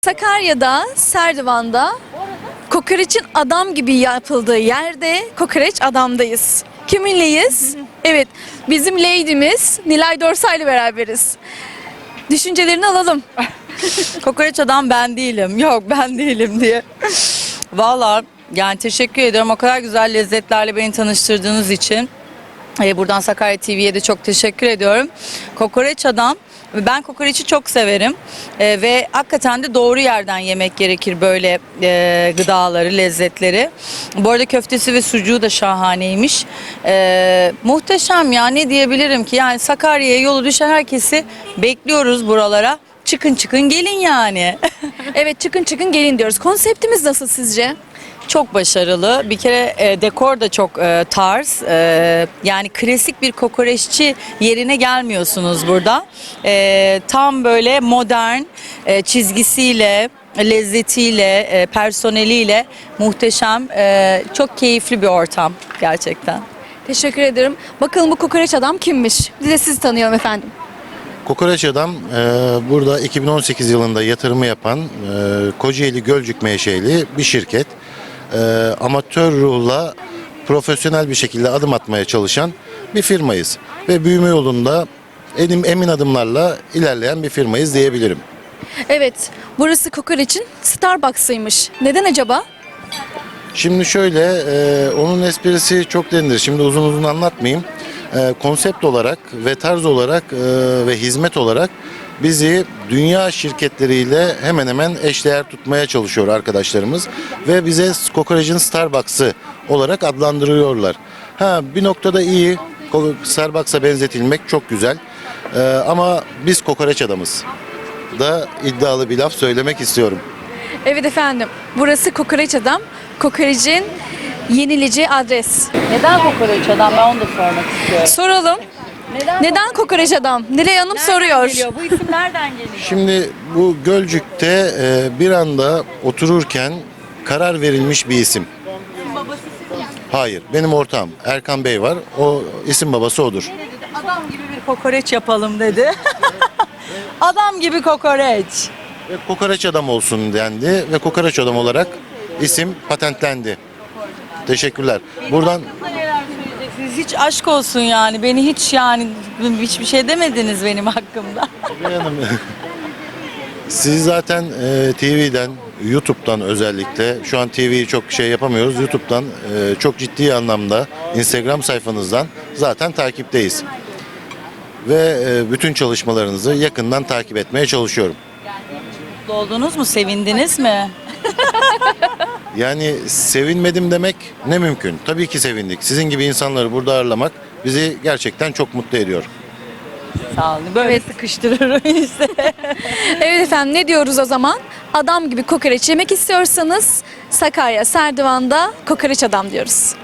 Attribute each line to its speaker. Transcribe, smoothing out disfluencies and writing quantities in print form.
Speaker 1: Sakarya'da, Serdivan'da kokoreçin adam gibi yapıldığı yerde kokoreç adamdayız. Kiminleyiz? Evet, bizim lady'miz Nilay Dorsay ile beraberiz. Düşüncelerini alalım.
Speaker 2: Kokoreç adam ben değilim. Yok ben değilim diye. Vallahi yani teşekkür ediyorum. O kadar güzel lezzetlerle beni tanıştırdığınız için. Buradan Sakarya TV'ye de çok teşekkür ediyorum. Kokoreç adam. Ben kokoreçi çok severim ve hakikaten de doğru yerden yemek gerekir böyle gıdaları, lezzetleri. Bu arada köftesi ve sucuğu da şahaneymiş. Muhteşem ya, ne diyebilirim ki, yani Sakarya'ya yolu düşen herkesi bekliyoruz buralara. Çıkın çıkın gelin yani.
Speaker 1: Evet, çıkın çıkın gelin diyoruz. Konseptimiz nasıl sizce?
Speaker 2: Çok başarılı. Bir kere dekor da çok tarz. Yani klasik bir kokoreççi yerine gelmiyorsunuz burada. Tam böyle modern çizgisiyle, lezzetiyle, personeliyle muhteşem, çok keyifli bir ortam gerçekten.
Speaker 1: Teşekkür ederim. Bakalım bu kokoreç adam kimmiş? Bir de sizi tanıyalım efendim.
Speaker 3: Kokoreç Adam burada 2018 yılında yatırımı yapan Kocaeli Gölcük menşeli bir şirket. Amatör ruhla profesyonel bir şekilde adım atmaya çalışan bir firmayız. Ve büyüme yolunda emin adımlarla ilerleyen bir firmayız diyebilirim.
Speaker 1: Evet, burası kokoreçin Starbucks'ıymış. Neden acaba?
Speaker 3: Şimdi şöyle, onun esprisi çok derindir. Şimdi uzun uzun anlatmayayım. Konsept olarak ve tarz olarak ve hizmet olarak bizi dünya şirketleriyle hemen hemen eşdeğer tutmaya çalışıyor arkadaşlarımız. Ve bize kokorecin Starbucks'ı olarak adlandırıyorlar. Bir noktada iyi, Starbucks'a benzetilmek çok güzel. Ama biz kokoreç adamız da iddialı bir laf söylemek istiyorum.
Speaker 1: Evet efendim, burası kokoreç adam. Kokorecin yenileceği adres.
Speaker 2: Neden kokoreç adam, ben onu da sormak istiyorum.
Speaker 1: Soralım. Neden kokoreç adam? Nilay Hanım soruyor.
Speaker 2: Bu isim nereden geliyor?
Speaker 3: Şimdi bu Gölcük'te bir anda otururken karar verilmiş bir isim. Hayır, benim ortağım Erkan Bey var. O isim babası odur.
Speaker 2: Adam gibi bir kokoreç yapalım dedi. Adam gibi kokoreç.
Speaker 3: Ve kokoreç adam olsun dendi ve kokoreç adam olarak isim patentlendi. Teşekkürler. Buradan
Speaker 2: Siz hiç aşk olsun yani. Beni hiç, yani hiçbir şey demediniz benim hakkımda.
Speaker 3: Bey Hanım, siz zaten TV'den, YouTube'dan özellikle, şu an TV'yi çok şey yapamıyoruz. YouTube'dan çok ciddi anlamda Instagram sayfanızdan zaten takipteyiz. Ve bütün çalışmalarınızı yakından takip etmeye çalışıyorum.
Speaker 2: Mutlu oldunuz mu? Sevindiniz mi?
Speaker 3: Yani sevinmedim demek ne mümkün. Tabii ki sevindik. Sizin gibi insanları burada ağırlamak bizi gerçekten çok mutlu ediyor.
Speaker 2: Sağ olun. Böyle
Speaker 1: Evet.
Speaker 2: sıkıştırırım işte.
Speaker 1: Evet efendim, ne diyoruz o zaman? Adam gibi kokoreç yemek istiyorsanız Sakarya, Serdivan'da kokoreç adam diyoruz.